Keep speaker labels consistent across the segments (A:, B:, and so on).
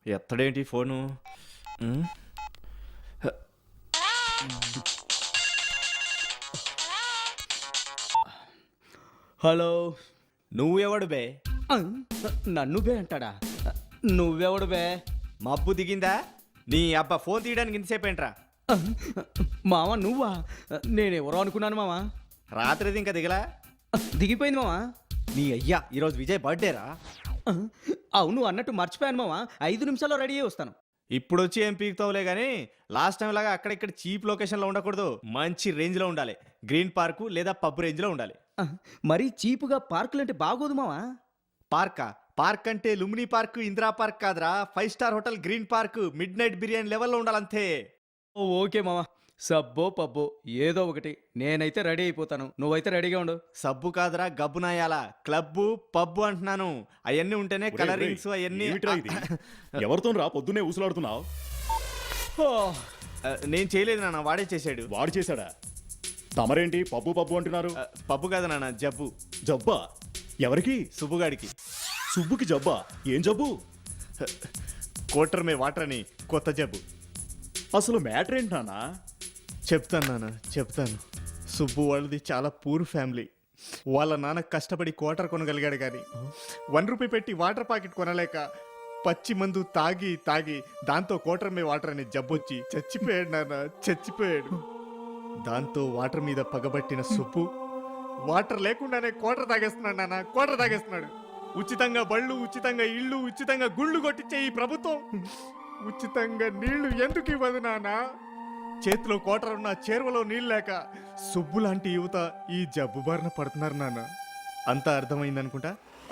A: ఎత్తడేంటి phone?
B: Hello.
A: నువ్వెవడు బే?
B: నన్ను బే అంటాడా? నువ్వెవడు బే?
A: మబ్బు దిగిందా? నీ అబ్బా ఫోన్ తీయడానికి ఇంతసేపు ఏంట్రా?
B: మావా నువ్వా? నేనెవరో అనుకున్నాను మావా.
A: రాత్రిది ఇంకా దిగలా?
B: దిగిపోయింది మావా.
A: నీ అయ్యా ఈరోజు విజయ్ బర్త్డేరా?
B: అవును అన్నట్టు మర్చిపోయాను మావా. 5 నిమిషాల్లో రెడీ అయ్యి వస్తాను.
A: ఇప్పుడు వచ్చి ఏం పీకుతావులే కానీ లాస్ట్ టైం లాగా అక్కడిక్కడ చీప్ లొకేషన్లో ఉండకూడదు. మంచి రేంజ్లో ఉండాలి. గ్రీన్ పార్కు లేదా పబ్ రేంజ్లో ఉండాలి.
B: మరీ చీపుగా పార్కులు అంటే బాగోదు మావా.
A: పార్క్ అంటే లుమినీ పార్క్, ఇందిరా పార్క్ కాదురా. 5 star hotel green park midnight biryani లెవెల్లో ఉండాలంతే.
B: ఓకే మావా. సబ్బో పబ్బో ఏదో ఒకటి. నేనైతే రెడీ అయిపోతాను, నువ్వైతే రెడీగా ఉండు.
A: సబ్బు కాదురా గబ్బునాయాల. క్లబ్బు పబ్బు అంటున్నాను. అవన్నీ ఉంటేనే కలరింగ్స్ అవన్నీ.
C: ఎవరితో రా పొద్దునే ఊసులాడుతున్నావు?
A: నేను చేయలేదు నాన్న, వాడే చేశాడు.
C: వాడు చేశాడా? తమరేంటి పబ్బు పబ్బు అంటున్నారు?
A: పబ్బు కాదు నాన్న, జబ్బు.
C: జబ్బా? ఎవరికి?
A: సుబ్బుగాడికి.
C: సుబ్బుకి జబ్బా? ఏం జబ్బు?
A: కోటర్ మే వాటర్ అని కొత్త జబ్బు.
C: అసలు మ్యాటర్ ఏంటి నాన్నా?
A: చెప్తాను నాన్న, చెప్తాను. సుబ్బు వాళ్ళది చాలా పూర్ ఫ్యామిలీ. వాళ్ళ నాన్న కష్టపడి క్వార్టర్ కొనగలిగాడు కానీ 1 రూపీ పెట్టి వాటర్ ప్యాకెట్ కొనలేక పచ్చి మందు తాగి దాంతో కోటర్ మే వాటర్ అనే జబ్బొచ్చి చచ్చిపోయాడు నాన్న, చచ్చిపోయాడు. దాంతో వాటర్ మీద పగబట్టిన సుబ్బు వాటర్ లేకుండానే క్వార్టర్ తాగేస్తున్నాడు నాన్న, క్వార్టర్ తాగేస్తున్నాడు. ఉచితంగా బళ్ళు, ఉచితంగా ఇళ్ళు, ఉచితంగా గుళ్ళు కొట్టించే ఈ ప్రభుత్వం ఉచితంగా నీళ్లు ఎందుకు ఇవ్వదు నాన్న? చేతిలో కోటర్ ఉన్న చేరువలో నీళ్ళు లేక సుబ్బు లాంటి యువత ఈ జబ్బు బారిన పడుతున్నారు నాన్న. అంతా అర్థమైందనుకుంటా.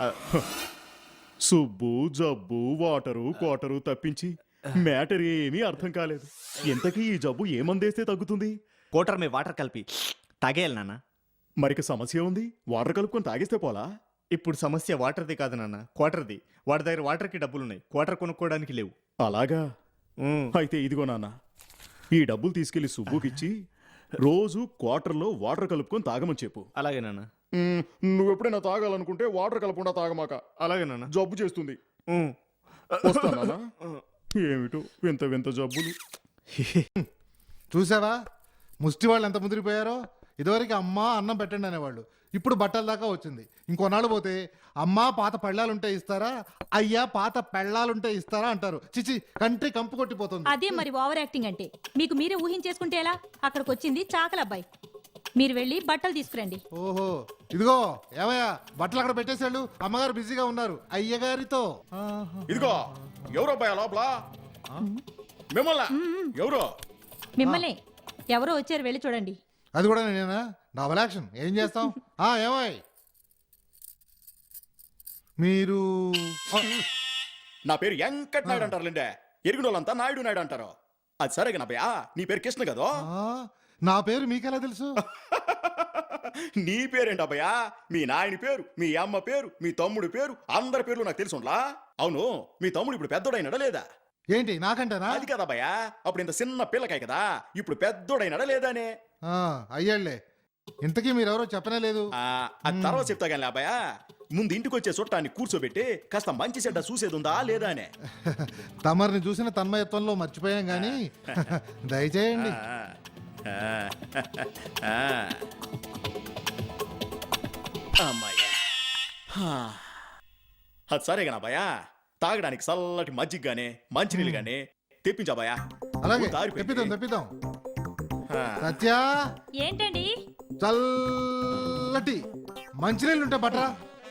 C: సుబ్బు జబ్బు వాటరు క్వార్టరు తప్పించి మ్యాటర్ ఏమీ అర్థం కాలేదు. ఇంతకీ ఈ జబ్బు ఏమందేస్తే తగ్గుతుంది?
A: కోటర్ మే వాటర్ కలిపి తాగేయాలి నాన్న.
C: మరికి సమస్య ఉంది. వాటర్ కలుపుకొని తాగేస్తే పోలా?
A: ఇప్పుడు సమస్య వాటర్ది కాదు నాన్న, క్వార్టర్ది. వాడి దగ్గర వాటర్కి డబ్బులున్నాయి, క్వార్టర్ కొనుక్కోవడానికి లేవు.
C: అలాగా? అయితే ఇదిగో నాన్న, ఈ డబ్బులు తీసుకెళ్లి సుబ్బుకిచ్చి రోజు క్వార్టర్లో వాటర్ కలుపుకొని తాగమని చెప్పు.
A: అలాగే నాన్న.
C: నువ్వెప్పుడైనా తాగాలనుకుంటే వాటర్ కలపకుండా తాగమాక.
A: అలాగే నాన్న.
C: జబ్బు చేస్తుంది. వస్తానా? ఏమిటో వింత వింత జబ్బులు.
D: చూసావా ముష్టి వాళ్ళు ఎంత ముదిరిపోయారో. ఇదివరకు అమ్మ అన్నం పెట్టండి అనేవాళ్ళు, ఇప్పుడు బట్టల దాకా వచ్చింది. ఇంకొన్నాళ్ళు పోతే అమ్మ పాత పళ్ళాలుంటే ఇస్తారా, అయ్యా పాత పెళ్ళాలుంటే ఇస్తారా అంటారు. చిచి, కంట్రీ కంపు కొట్టిపోతుంది.
E: అదే మరి ఓవర్ యాక్టింగ్ అంటే. మీకు మీరే ఊహించేసుకుంటే ఎలా? అక్కడికి వచ్చింది చాకల అబ్బాయి. మీరు వెళ్ళి బట్టలు తీసుకురండి.
D: ఓహో, ఇదిగో ఏమయ్యా బట్టలు అక్కడ పెట్టేశాడు. అమ్మగారు బిజీగా ఉన్నారు అయ్యగారితో.
C: ఇదిగో ఎవరో భయ లోపల మిమ్మల్ని ఎవరో.
E: మిమ్మల్ని ఎవరో వచ్చారు, వెళ్ళి చూడండి.
D: అది కూడా నేనేనా? డబల్ యాక్షన్ ఏం చేస్తాం. ఏమాయ్ మీరు?
C: నా పేరు వెంకట్ నాయుడు అంటారులేండే. ఎరిగిన వాళ్ళంతా నాయుడు నాయుడు అంటారు. అది సరేగా నా భయ్యా, నీ పేరు కృష్ణ కదా?
D: నా పేరు మీకెలా తెలుసు?
C: నీ పేరేంటి అబ్బయ్యా? మీ నాయని పేరు, మీ అమ్మ పేరు, మీ తమ్ముడి పేరు, అందరి పేర్లు నాకు తెలుసుండ్లా. అవును, మీ తమ్ముడు ఇప్పుడు పెద్దోడైనాడా లేదా?
D: ఏంటి నాకంటారా?
C: అది కదా భయ్యా, అప్పుడు ఇంత చిన్న పిల్లకాయ కదా, ఇప్పుడు పెద్దోడైనాడా లేదానే?
D: అయ్యాళ్లే. ఇంతకీ మీరెవరో చెప్పనే లేదు.
C: అది తర్వాత చెప్తా కానీ అబ్బాయా, ముందు ఇంటికి వచ్చే చుట్టాన్ని కూర్చోబెట్టి కాస్త మంచి చెడ్డ చూసేది ఉందా లేదా అనే.
D: తమరిని చూసిన తన్మయత్వంలో మర్చిపోయాం గాని దయచేయండి.
C: అది సరేగా భయ్యా, తాగడానికి చల్లటి మజ్జిగ గానే మంచినీళ్ళు గానే తెప్పించాబాయా.
D: అలాగే తెప్పిద్దాం. సత్యా,
E: ఏంటండి?
D: చల్లటి మంచినీళ్ళు ఉంటాయి పట్రా.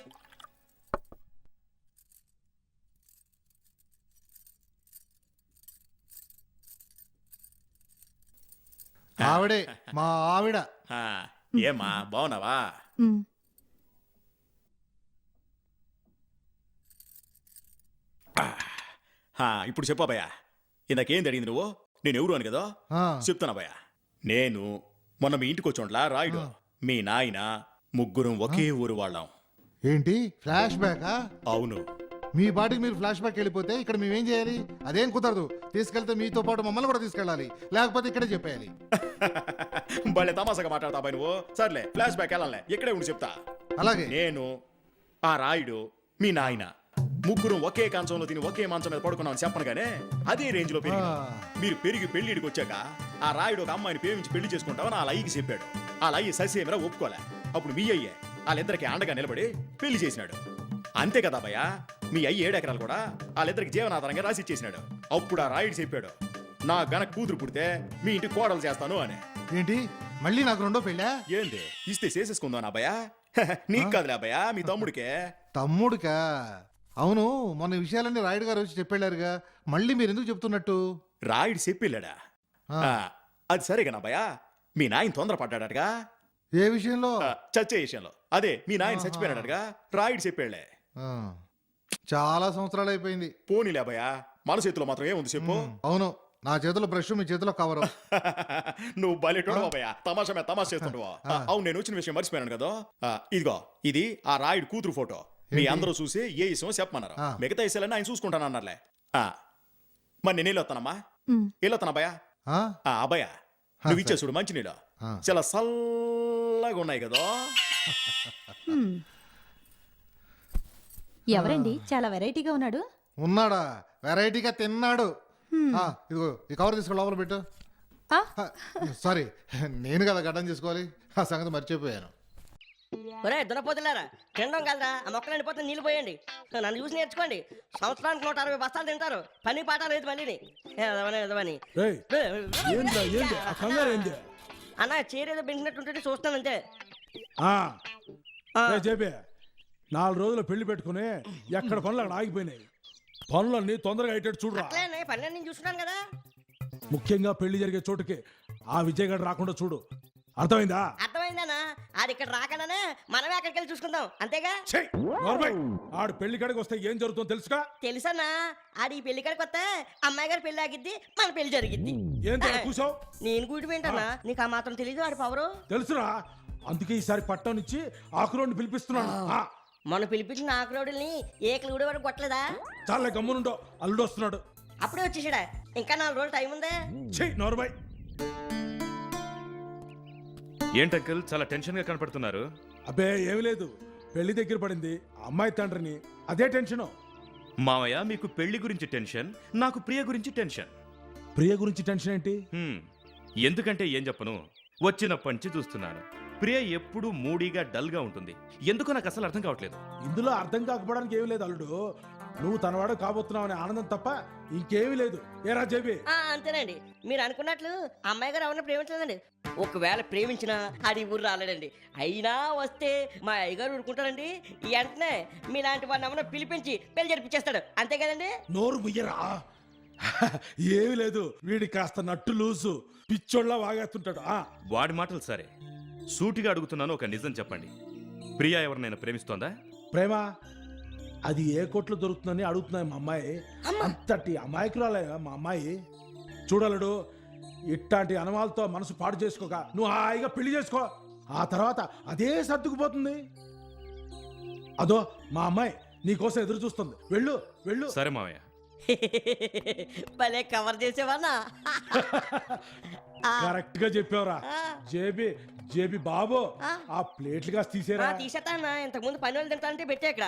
D: ఆవిడే మా ఆవిడ.
C: ఏమా బాగున్నావా? ఇప్పుడు చెప్పాబయ్యా, ఇందాకేం అడిగింది నువ్వు? నేను ఎవరు అని కదా చెప్తానా భయ్యా. నేను మొన్న మీ ఇంటికి వచ్చోండ్లా రాయుడు, మీ నాయన, ముగ్గురం ఒకే ఊరు వాళ్ళం.
D: ఏంటి ఫ్లాష్ బ్యాకా?
C: అవును.
D: మీ బాటికి మీరు ఫ్లాష్ బ్యాక్ వెళ్ళిపోతే ఇక్కడ మేమేం చేయాలి? అదేం కుదరదు. తీసుకెళ్తే మీతో పాటు మమ్మల్ని కూడా తీసుకెళ్ళాలి, లేకపోతే ఇక్కడే చెప్పేయాలి.
C: భలే తమాసగా మాట్లాడతా నువ్వు. సర్లే, ఫ్లాష్ బ్యాక్ వెళ్ళాలే, ఇక్కడే ఉండి చెప్తా.
D: అలాగే.
C: నేను, ఆ రాయుడు, మీ నాయన ముగ్గురు ఒకే కంచంలో తిని ఒకే మంచం మీద పడుకున్నామని చెప్పనుగానే అదే రేంజ్ లో పెరిగి మీరు పెరిగి పెళ్లిడికి వచ్చాక ఆ రాయుడు ఒక అమ్మాయిని ప్రేమించి పెళ్లి చేసుకుంటామని ఆ లయ్యకి చెప్పాడు. ఆ లయ్యి ససేమిరా ఒప్పుకోలే. అప్పుడు మీ అయ్యే వాళ్ళిద్దరికి అండగా నిలబడి పెళ్లి చేసినాడు. అంతే కదా భయ్య, మీ అయ్యి 7 ఎకరాలు కూడా వాళ్ళిద్దరికి జీవనాధారంగా రాసి ఇచ్చేసినాడు. అప్పుడు ఆ రాయుడు చెప్పాడు, నా గనక కూతురు పుడితే మీ ఇంటి కోడలు చేస్తాను అని.
D: ఏంటి మళ్ళీ నాకు రెండో పెళ్ళా?
C: ఏంది ఇస్తే చేసేసుకుందాం నా భయ్య? నీకు కాదులే అబ్బాయా, మీ తమ్ముడికే.
D: తమ్ముడికా? అవును, మొన్న ఈ విషయాలన్నీ రాయుడు గారు వచ్చి చెప్పారుగా, మళ్ళీ మీరు ఎందుకు చెప్తున్నట్టు?
C: రాయుడు చెప్పిల్లాడా? అది సరేగా నా భయ్య, మీ నాయన తొందరపడ్డాడటగా
D: ఏ విషయంలో?
C: చచ్చే విషయంలో. అదే మీ నాయన చచ్చిపోయాడటగా రాయుడు చెప్పాళ్లే.
D: ఆ, చాలా సంవత్సరాలు అయిపోయింది.
C: పోనీలే అబ్బాయ, మన చేతిలో మాత్రం ఏముంది చెప్పు.
D: అవును, నా చేతిలో బ్రష్, మీ చేతిలో కవరు.
C: నువ్వు బయట అబ్బాయ, తమాషా మీద తమాషా చేస్తుంటావా? అవును, నేను వచ్చిన విషయం మర్చిపోయాను కదా. ఇదిగో ఇది ఆ రాయుడు కూతురు ఫోటో. మీ అందరూ చూసి ఏ విషయం చెప్పమన్నారు. మిగతా విషయాలన్నీ ఆయన చూసుకుంటాను అన్నారులే. మరి నేను వెళ్ళొస్తానమ్మా. వెళ్ళొస్తాను అబ్బాయ. అబ్బాయ నువ్వు ఇచ్చే చూడు మంచి నీళ్ళు చాలా చల్లగా ఉన్నాయి కదా.
E: ఎవరండి చాలా వెరైటీగా ఉన్నాడు?
D: ఉన్నాడా? వెరైటీగా తిన్నాడు. ఇదిగో ఈ కవర్ తీసుకుని లోపల పెట్టు.
E: ఆ?
D: సారీ, నేను కదా గడ్డం చేసుకోవాలి, ఆ సంగతి మర్చిపోయాను.
F: ఒరే దున్నపోతులారా, తినడం కలరా, ఆ మొక్కలు ఎండిపోతే నీళ్ళు పోయండి. నన్ను చూసి నేర్చుకోండి. సంవత్సరానికి 160 బస్తాలు తింటారు, పని పాట లేదు మళ్ళీని. ఎదవని అన్న చీరేదో పెంచినట్టుంటే చూస్తాను అంతే.
G: చెప్పే 4 రోజులు పెళ్లి పెట్టుకుని ఎక్కడ పనులు అక్కడ ఆగిపోయినాయి. పనులన్నీ తొందరగా అయ్యేటట్టు చూడరా.
F: అట్లే పని నేను చూస్తున్నాను కదా.
G: ముఖ్యంగా పెళ్లి జరిగే చోటుకి ఆ విజయ్ గడు రాకుండా చూడు, అర్థమైందా?
F: అర్థమైందన్నా, ఆడు ఇక్కడ రాకుండానే మనమే అక్కడికి వెళ్ళి చూసుకుందాం అంతేగా.
G: ఆడు పెళ్లి కాడికి వస్తే ఏం జరుగుతుందో తెలుసుగా?
F: తెలుసన్నా, ఆడు ఈ పెళ్లి కాడికి వస్తే అమ్మాయి గారి పెళ్లి ఆగిద్ది, మన పెళ్లి జరిగిద్ది.
G: ఏం కూసావు?
F: నేను కూటి ఏంటన్నా, నీకు ఆ మాత్రం తెలీదు ఆడు పవరు.
G: తెలుసురా, అందుకే ఈసారి పట్టం ఇచ్చి ఆకురోడ్ని పిలిపిస్తున్నాను.
F: మనం పిలిపించిన ఆకురోడుల్ని ఏకలు కూడా వరకు కొట్టలేదా?
G: చాలా గమ్మునుండో, అల్లుడు వస్తున్నాడు.
F: అప్పుడే వచ్చేసాడా? ఇంకా 4 రోజులు టైం ఉందే.
G: నోరుబాయ్.
H: ఏంటంకల్ చాలా టెన్షన్ గా కనపడుతున్నారు?
G: అబ్బే ఏమి లేదు, పెళ్లి దగ్గర పడింది, అమ్మాయి తండ్రిని, అదే టెన్షన్.
H: మావయ్య మీకు పెళ్లి గురించి టెన్షన్, నాకు ప్రియ గురించి టెన్షన్.
G: ప్రియ గురించి టెన్షన్ ఏంటి?
H: ఎందుకంటే ఏం చెప్పను, వచ్చినప్పటి నుంచి చూస్తున్నాను ప్రియ ఎప్పుడు మూడీగా డల్ గా ఉంటుంది. ఎందుకో నాకు అసలు అర్థం కావట్లేదు.
G: ఇందులో అర్థం కాకపోవడానికి ఏమీ లేదు అల్లుడు, నువ్వు తనవాడు కాబోతున్నావు అనే ఆనందం తప్ప ఇంకేమీ లేదు. ఏరా జేబీ?
F: అంతేనండి, మీరు అనుకున్నట్లు అమ్మాయి గారు ఎవరిని ప్రేమించలేదండి. ఒకవేళ ప్రేమించినా ఆడి ఊరు రాలేడండి. అయినా వస్తే మా అయ్యగారు ఊరుకుంటారండి. వెంటనే మీలాంటి వాడిని ఏమన్నా పిలిపించి పెళ్లి జరిపించేస్తాడు, అంతే కదండి.
G: నోరు ముయ్యరా. ఏమీ లేదు, వీడి కాస్త నట్టు లూసు, పిచ్చోళ్ళ వాగేస్తుంటాడు.
H: వాడి మాటలు సరే, సూటిగా అడుగుతున్నాను, ఒక నిజం చెప్పండి. ప్రియా ఎవరినైనా ప్రేమిస్తోందా?
G: ప్రేమ అది ఏ కోట్లు దొరుకుతుందని అడుగుతున్నాయి మా అమ్మాయి. అంతటి అమాయకురాలే మా అమ్మాయి. చూడలుడు, ఇట్లాంటి అనుమాలతో మనసు పాడు చేసుకోక నువ్వు హాయిగా పెళ్లి చేసుకో, ఆ తర్వాత అదే సర్దుకుపోతుంది. అదో మా అమ్మాయి నీకోసం ఎదురు చూస్తుంది, వెళ్ళు వెళ్ళు.
H: సరే మావయ్య.
F: భలే కవర్ చేసేవాళ్ళ.
G: కరెక్ట్ గా చెప్పావురా. జేబీ జేబీ బాబు, ఆ ప్లేట్లు కాస్త తీసేరా.
F: తీసేస్తానా, ఇంతకు ముందు పని వాళ్ళు తింటానంటే పెట్టే ఇక్కడ.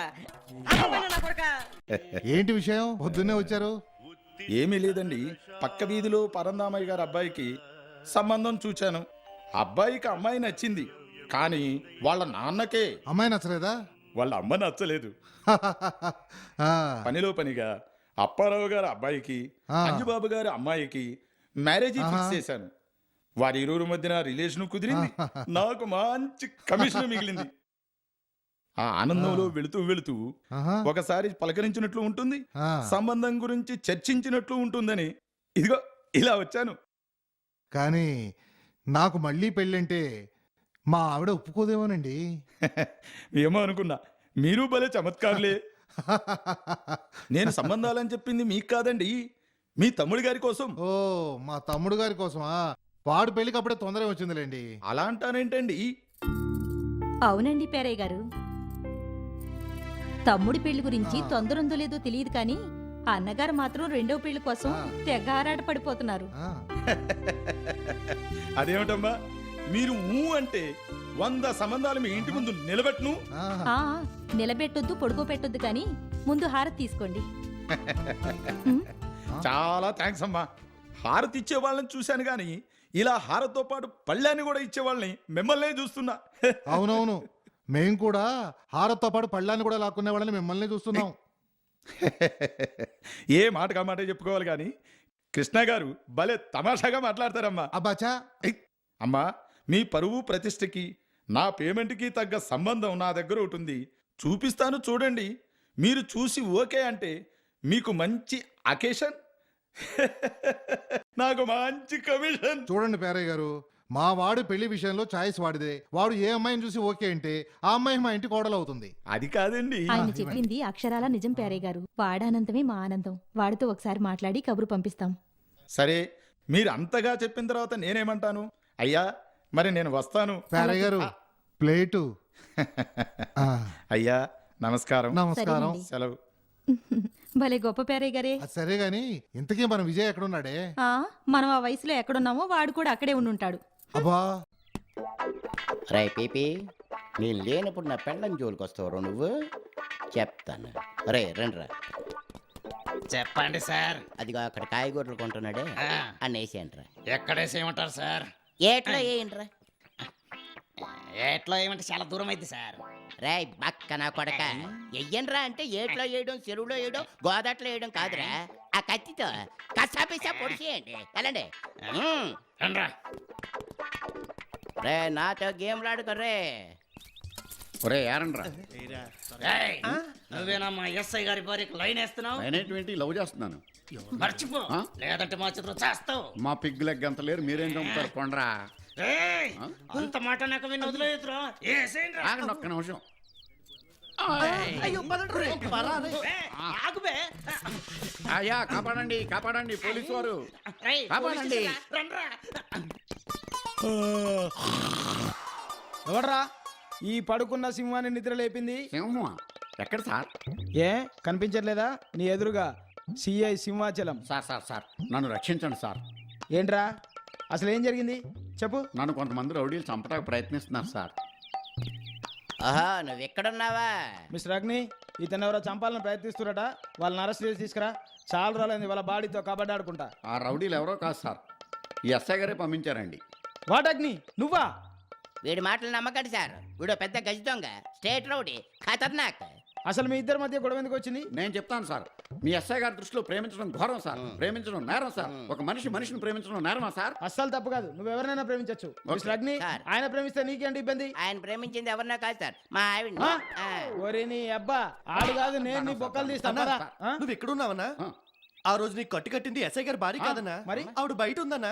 D: ఏంటి విషయం, పొద్దున్నే వచ్చారు?
I: ఏమీ లేదండి, పక్క వీధిలో పరందామయ్య గారి అబ్బాయికి సంబంధం చూచాను. అబ్బాయికి అమ్మాయి నచ్చింది, కానీ వాళ్ళ నాన్నకే
D: అమ్మాయి నచ్చలేదా?
I: వాళ్ళ అమ్మ నచ్చలేదు. పనిలో పనిగా అప్పారావు గారి అబ్బాయికి అంజుబాబు గారి అమ్మాయికి మ్యారేజ్ ఫిక్స్ చేశాను. వారి ఇరువురు మధ్యన రిలేషన్ కుదిరింది, నాకు మంచి కమిషన్ మిగిలింది. ఆ ఆనందంలో వెళుతూ వెళుతూ ఒకసారి పలకరించినట్లు ఉంటుంది, సంబంధం గురించి చర్చించినట్లు ఉంటుందని ఇదిగో ఇలా వచ్చాను.
D: కానీ నాకు మళ్ళీ పెళ్ళంటే మా ఆవిడ ఒప్పుకోదేమోనండి.
I: ఏమో అనుకున్నా, మీరు భలే చమత్కారులే. నేను సంబంధాలని చెప్పింది మీకు కాదండి, మీ తమ్ముడి గారి కోసం.
D: ఓ, మా తమ్ముడు గారి కోసమా? వాడు పెళ్లికి అప్పుడే తొందర వచ్చిందిలేండి.
I: అలా అంటానేంటండి?
E: అవునండి పేరయ్య గారు, తమ్ముడి పెళ్లి గురించి తొందర ఉందో లేదో తెలియదు కానీ అన్నగారు మాత్రం రెండో పెళ్లి కోసం తెగ ఆరాట పడిపోతున్నారు.
I: అదేమిటమ్మా, మీరు ఊ అంటే 100 సంబంధాలు మీ ఇంటి ముందు నిలబెట్టును.
D: ఆహా.
E: ఆ, నిలబెట్టొద్దు పొడుకోపెట్టొద్దు కానీ ముందు హారతి తీసుకోండి.
I: చాలా థ్యాంక్స్ అమ్మా. హారతి ఇచ్చే వాళ్ళని చూశాను కానీ ఇలా హారతో పాటు పళ్ళాన్ని కూడా ఇచ్చే వాళ్ళని మిమ్మల్నే చూస్తున్నా.
D: అవునవును, మేం కూడా హారత్తో పాటు పళ్ళాన్ని కూడా లాక్కునే వాళ్ళని మిమ్మల్ని చూస్తున్నాం.
I: ఏ మాట కా మాట చెప్పుకోవాలి కానీ కృష్ణ గారు భలే తమాషాగా మాట్లాడతారమ్మా.
D: అబ్బాచా,
I: అమ్మా, మీ పరువు ప్రతిష్టకి నా పేమెంట్కి తగ్గ సంబంధం నా దగ్గర ఒకటి ఉంది. చూపిస్తాను చూడండి. మీరు చూసి ఓకే అంటే మీకు మంచి అకేషన్, నాకు మంచి కమిషన్.
D: చూడండి పేరయ్య గారు, మా వాడు పెళ్లి విషయంలో ఛాయిస్ వాడిదే. వాడు ఏ అమ్మాయిని చూసి ఓకే అంటే ఆ అమ్మాయి మా ఇంటి కోడలు అవుతుంది.
I: అది కాదండి.
E: ఆయన చెప్పింది అక్షరాల నిజం పేరయ్య గారు. వాడానంతమే మా ఆనందం. వాడితో ఒకసారి మాట్లాడి కబురు పంపిస్తాం.
I: సరే, మీరు అంతగా చెప్పిన తర్వాత నేనేమంటాను? అయ్యా, మరి నేను వస్తాను.
D: పేరయ్య గారు, ప్లేటు. ఆ,
I: అయ్యా, నమస్కారం.
D: నమస్కారం.
E: సరేనండి.
I: సెలవు.
E: భలే గొప్ప పేరయ్య గారే.
D: అది సరే గాని ఇంతకీ మన విజయ్ ఎక్కడున్నాడే?
E: ఆ, మనం ఆ వయసులో ఎక్కడున్నామో వాడు కూడా అక్కడే ఉండుంటాడు.
D: అబ్బా,
J: రే పీపీ, నేను లేనప్పుడు నా పెళ్ళం జోలికి వస్తావు నువ్వు, చెప్తాను. రే రండిరా.
K: చెప్పండి సార్.
J: అదిగో అక్కడ కాయగూరలు కొంటున్నాడే,
K: ఆ.
J: అన్న వేసేయండిరా.
K: ఎక్కడేసేయమంటారు సార్?
J: ఏట్లో వేయండిరా.
K: ఎట్లా ఏమంటే చాలా దూరం అయింది సార్.
J: రే బక్క నా కొడక, ఎయ్యండ్రా అంటే ఏట్లో వేయడం, చెరువులో వేయడం, గోదాట్లో వేయడం కాదురా. ఆ కత్తితో కసాపిసా పొడిచేయండి. వెళ్ళండి.
K: రండ్రా.
J: రే నాతో గేమ్లు ఆడుకోర్రే. ఒరే యారండ్రా.
K: ఏయ్, నువ్వేనా మా ఎస్ఐ గారి భార్యకు లైన్ వేస్తున్నావు?
L: నేనేంటి లవ్ చేస్తున్నాను.
K: మర్చిపో, లేదంటే మా చేతిలో చేస్తావు.
L: మా పిగ్ లెగ్ అంత లేరు, మీరేం చంపుతారు కొండ్రా.
K: ఏయ్, అంత మాట నాకు విని వదిలేదురా.
L: ఆగండి ఒక్క నిమిషం. అయ్యా, కాపాడండి కాపాడండి, పోలీసు వారు కాపాడండి.
B: ఎవడ్రా ఈ పడుకున్న సింహాన్ని నిద్ర లేపింది?
L: సింహమా? ఎక్కడ సార్?
B: ఏ కనిపించట్లేదా నీ ఎదురుగా? CI Simhachalam.
L: Sir sir sir నన్ను రక్షించండి సార్.
B: ఏంట్రా అసలు ఏం జరిగింది చెప్పు.
L: నన్ను కొంతమంది రౌడీలు చంపడానికి ప్రయత్నిస్తున్నారు సార్.
J: ఆహా, నువ్వు ఎక్కడున్నావా?
B: మిస్టర్ అగ్ని, ఇతను ఎవరో చంపాలని ప్రయత్నిస్తున్నట. వాళ్ళని అరెస్ట్ చేసి తీసుకురా. చాలా రోజులైంది వాళ్ళ బాడీతో కబడ్డీ ఆడుకుంటా.
L: ఆ రౌడీలు ఎవరో కాదు సార్, ఈ ఎస్ఐ గారే పంపించారండి.
B: వాట్ అగ్ని, నువ్వా?
J: వీడి మాటలు నమ్మకండి సార్. వీడు పెద్ద గజ దొంగ, స్టేట్ రౌడీ, ఖతర్నాక్.
B: అసలు మీ ఇద్దరి మధ్య గొడవ ఎందుకు వచ్చింది?
L: నేను చెప్తాను సార్. మీ ఎస్ఐ గారి దృష్టిలో ప్రేమించడం ఘోరం సార్. ప్రేమించడం నేరం సార్. ఒక మనిషి మనిషిని ప్రేమించడం నేరమా సార్?
B: అస్సలు తప్పు కాదు. నువ్వు ఎవరినైనా ప్రేమించచ్చు. మిస్టర్ అగ్ని,
J: సార్.
B: ఆయన ప్రేమిస్తే నీకేంటి ఇబ్బంది?
J: ఆయన ప్రేమించింది ఎవరినా కాదు సార్, మా ఆవిడ.
B: ఆ? ఒరే నీ అబ్బా, ఆడు కాదు నేను నీ బొక్కలు తీస్తాను.
A: నువ్వు ఎక్కడున్నావన్నా? ఆ రోజు నీకు కట్టి కట్టింది ఎస్ఐ గారి భార్య కాదన్నా,
B: మరి
A: ఆవిడ బయట ఉందన్నా.